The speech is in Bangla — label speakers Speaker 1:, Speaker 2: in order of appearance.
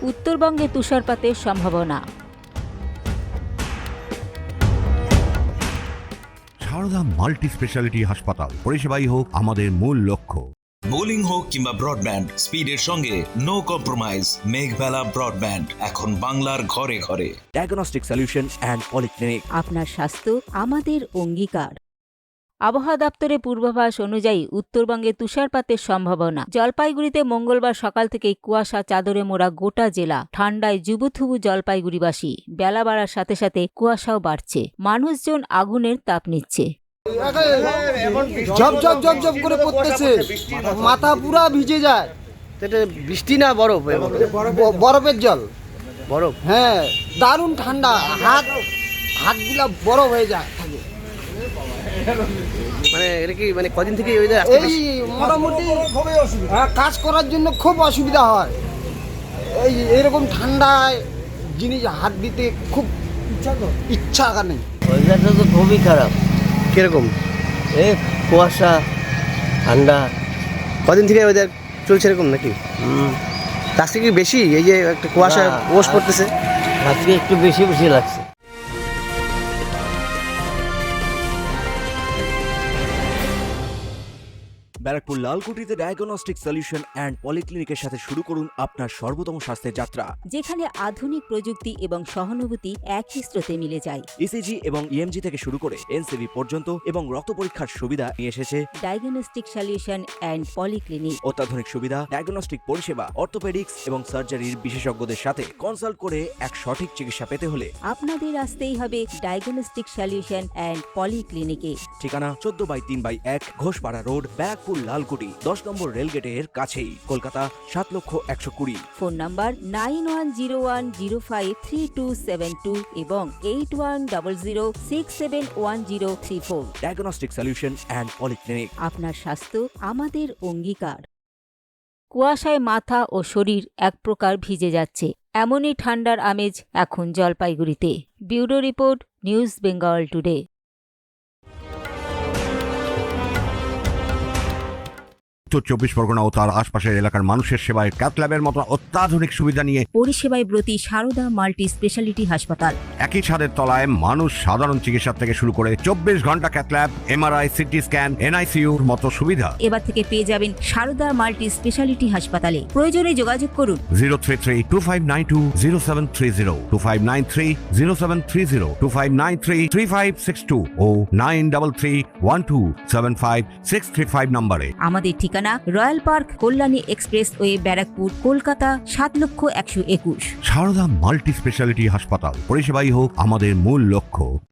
Speaker 1: উত্তরবঙ্গে তুষারপাতের সম্ভাবনা।
Speaker 2: সারদা মাল্টি স্পেশালিটি হাসপাতাল, পরিষেবাই হোক আমাদের মূল লক্ষ্য।
Speaker 3: বোলিং হোক কিংবা ব্রডব্যান্ড, স্পিডের সঙ্গে নো কম্প্রোমাইজ। মেঘবেলা ব্রডব্যান্ড এখন বাংলার ঘরে ঘরে।
Speaker 4: Diagnostic solution and polyclinic.
Speaker 1: আপনার স্বাস্থ্য আমাদের অঙ্গীকার। আবহাওয়া দপ্তরের পূর্বাভাস অনুযায়ী উত্তরবঙ্গে তুষারপাতের সম্ভাবনা। জলপাইগুড়িতে মঙ্গলবার সকাল থেকেই কুয়াশা চাদরে মোড়া গোটা জেলা। ঠান্ডায় জুবুথুবু জলপাইগুড়িবাসী। বেলা বাড়ার সাথে সাথে কুয়াশাও বাড়ছে। মানুষজন আগুনের তাপ নিচ্ছে।
Speaker 5: ঝপ ঝপ ঝপ ঝপ করে পড়তেছে, মাথা পুরা ভিজে যায়।
Speaker 6: এটা বৃষ্টি না বরফ?
Speaker 5: বরফের জল।
Speaker 6: বরফ?
Speaker 5: হ্যাঁ, দারুণ ঠান্ডা। হাতগুলা বরফ হয়ে যায় থাকে।
Speaker 6: মানে এটা কি মানে কদিন থেকে এই
Speaker 5: মোটামুটি কাজ করার জন্য খুব অসুবিধা হয়। এরকম ঠান্ডায় জিনিস হাত দিতে খুব ইচ্ছা নেই।
Speaker 7: ওয়েদারটা তো খুবই খারাপ।
Speaker 6: কিরকম?
Speaker 7: এই কুয়াশা, ঠান্ডা।
Speaker 6: কদিন থেকে ওয়েদার চলছে এরকম নাকি? আজকে কি বেশি এই যে একটা কুয়াশা ওশ পড়তেছে?
Speaker 7: আজকে একটু বেশি বেশি লাগছে।
Speaker 4: ব্যারাকপুর লালকুটিতে ডায়াগনস্টিক সলিউশন অ্যান্ড পলিক্লিনিকের সাথে শুরু করুন আপনার সর্বোত্তম স্বাস্থ্যের যাত্রা।
Speaker 1: যেখানে আধুনিক প্রযুক্তি এবং সহানুভূতি একই স্রোতে মিলে যায়।
Speaker 4: ইসিজি এবং ইএমজি থেকে শুরু করে এনসিবি পর্যন্ত এবং রক্ত পরীক্ষার সুবিধা নিয়ে এসেছে
Speaker 1: ডায়াগনস্টিক সলিউশন অ্যান্ড পলিক্লিনিক।
Speaker 4: অত্যাধুনিক সুবিধা, ডায়াগনস্টিক পরিষেবা, অর্থোপেডিক্স এবং সার্জারির বিশেষজ্ঞদের সাথে কনসাল্ট করে এক সঠিক চিকিৎসা পেতে হলে
Speaker 1: আপনাদের আসতেই হবে ডায়াগনস্টিক সলিউশন অ্যান্ড পলিক্লিনিকে।
Speaker 4: ঠিকানা 14/3/1 ঘোষপাড়া রোড, ব্যারাকপুর লালকুটি, 10 নম্বর রেলগেটের কাছেই, কলকাতা 7,120,000।
Speaker 1: ফোন নাম্বার 9101053272 এবং 8100671034।
Speaker 4: Diagnostic solution and polyclinic.
Speaker 1: আপনার স্বাস্থ্য আমাদের অঙ্গীকার। কুয়াশায় মাথা ও শরীর এক প্রকার ভিজে যাচ্ছে। এমনই ঠান্ডার আমেজ এখন জলপাইগুড়িতে। Bureau report, News Bengal Today.
Speaker 2: উত্তর 24 পরগনা ও তার আশপাশের এলাকার মানুষের সেবায় ক্যাথ ল্যাবের মতো অত্যাধুনিক সুবিধা নিয়ে
Speaker 1: পরিষেবায় ব্রতী সারদা মাল্টি স্পেশালিটি হাসপাতাল।
Speaker 2: একই ছাদের তলায় মানুষ সাধারণ চিকিৎসা থেকে শুরু করে 24 ঘন্টা cath lab, MRI, CT scan, এনআইসিইউর মতো সুবিধা
Speaker 1: এবার থেকে পেয়ে যাবেন সারদা মাল্টি স্পেশালিটি হাসপাতালে। প্রয়োজনে যোগাযোগ করুন
Speaker 2: 033-2592-0730, 2593-0730, 2593-3562 ও 9331275635 নম্বরে।
Speaker 1: আমাদের ঠিকানা Royal Park, Kalyani express way, Barrackpore, Kolkata 7,121,000।
Speaker 2: Sarada multi speciality হাসপাতাল, পরিষেবাই হোক আমাদের মূল লক্ষ্য।